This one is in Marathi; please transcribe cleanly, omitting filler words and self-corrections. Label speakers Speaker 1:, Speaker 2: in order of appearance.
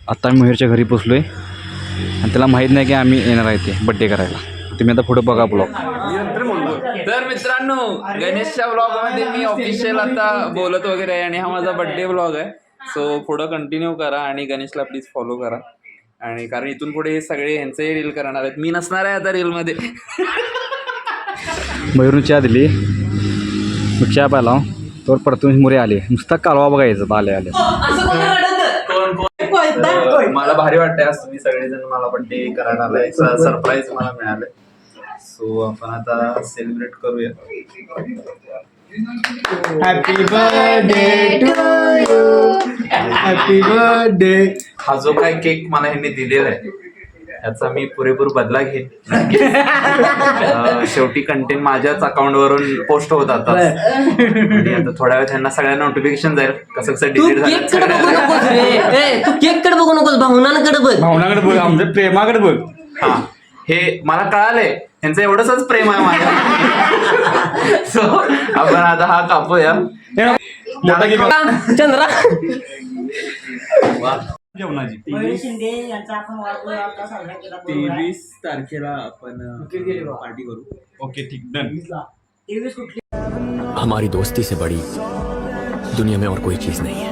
Speaker 1: आता आम्ही मयूरच्या घरी पोचलो आहे आणि त्याला माहीत नाही की आम्ही येणार आहे ते बड्डे करायला. तुम्ही आता पुढे बघा ब्लॉग.
Speaker 2: तर मित्रांनो, गणेशच्या ब्लॉगमध्ये मी ऑफिशियल आता बोलत वगैरे आहे आणि हा माझा बड्डे ब्लॉग आहे. सो पुढं कंटिन्यू करा आणि गणेशला प्लीज फॉलो करा. आणि कारण इथून पुढे हे सगळे ह्यांचे रील करणार आहेत, मी नसणार आहे आता रीलमध्ये.
Speaker 1: मयूरनं चहा दिली, मग चहा प्याला तर परतून मुरे आले. नुसता कालवा बघायचं आले आले.
Speaker 2: मला भारी वाटतंय आज तुम्ही सगळेजण मला बड्डे करायला आलाय, सरप्राईज मला मिळालंय. सो आपण आता सेलिब्रेट करूया.
Speaker 3: Happy birthday to you, happy birthday.
Speaker 2: हा जो काय केक मला ह्यांनी दिलेला आहे याचा मी पुरेपूर बदला घेईन. शेवटी कंटेंट माझ्याच अकाउंटवरून पोस्ट होत आता आणि आता थोड्या वेळ त्यांना सगळ्यांना नोटिफिकेशन जाईल कसं कसं डिलीट झालं.
Speaker 4: तू केक कडे बघू नकोस, भावनांकडे बघ.
Speaker 1: भावनाकडे बघ, आमच्या प्रेमाकडे बघ.
Speaker 2: हा, हे मला कळालंय त्यांचं एवढंच प्रेम आहे माझ्या. सो आपण आता हा कापूया.
Speaker 4: चंद्रा
Speaker 1: जेवणाची
Speaker 2: 23 तारखेला आपण पार्टी करू.
Speaker 1: ओके ठीक डन.
Speaker 5: हमारी दोस्ती से बड़ी दुनिया में और कोई चीज नहीं है.